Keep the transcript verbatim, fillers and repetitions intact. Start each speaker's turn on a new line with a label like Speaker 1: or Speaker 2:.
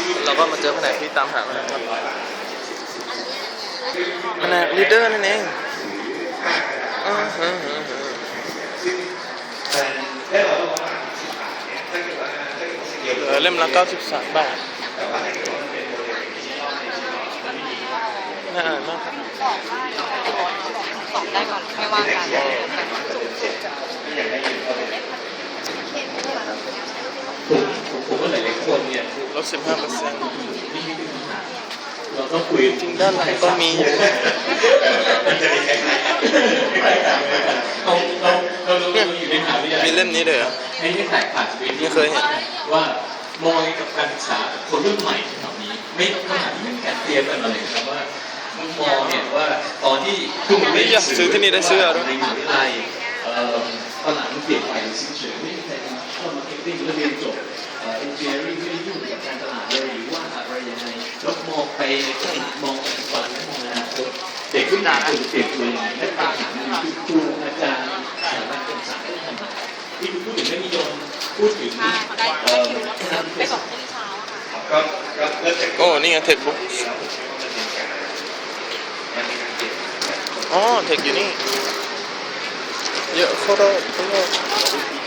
Speaker 1: เราก็มาเจอแผนกที่ตามหาแล้วครับแผนกลีดเดอร์นั่นเองอ่าฮะเหลือเล่มละเก้าสิบสามบาทน่าอ่านมากครับ
Speaker 2: ตอบได้ก่อนไม่ว่ากัน
Speaker 3: ผมผมว่าหลายๆคนเนี่ย
Speaker 1: ลดสิบห้าเปอร์เซ็นต์
Speaker 3: เราต้องคุย
Speaker 1: จริงด้านหลังก็มี
Speaker 3: มันจะมีคล้ายๆเราเราเราเราอยู่ในมหาวิทยาลัย
Speaker 1: มีเล่มนี้เลยเหรอ
Speaker 3: ให้ให้ถ่ายผ่านเวที
Speaker 1: ไม่เคยเห็น
Speaker 3: ว่ามองกับการศึกษาคนรุ่นใหม่แถวนี้ไม่ขนาดที่ไม่มีการเตรียมกันมาเลยครับว่ามุมมองเนี่ยว่าตอนที่คุณไม่
Speaker 1: อยากซื้อที่นี่ได้ซื้อด้วย
Speaker 3: ในมหาวิทยาลัยตลาดมันเปลี่ยนไปเฉยๆไม่มีใครเข้ามาเก็ตติ้งแล้วเรียนจบเอ็นจิเนียริ่งไม่ได้ยุ่งกับการตลาดเลยหรือว่าอะไรยังไงแล้วมองไปมองปัจจุบันและมองอนาคตเด็กรุ่นใหม่ควรเปลี่ยนตัวเองและตามหาเงินครูอาจารย์สถาบันการศึกษาที่ทำมาที่พูดถึงไม่นิยมพูดถึงเอ่อ
Speaker 2: ไปสองที่เช้า
Speaker 3: ก็ก็เลิก
Speaker 1: โอ้นี่ไงเทคบุ๊กอ๋อเทคอยู่นี่เยอะโคตรโคตร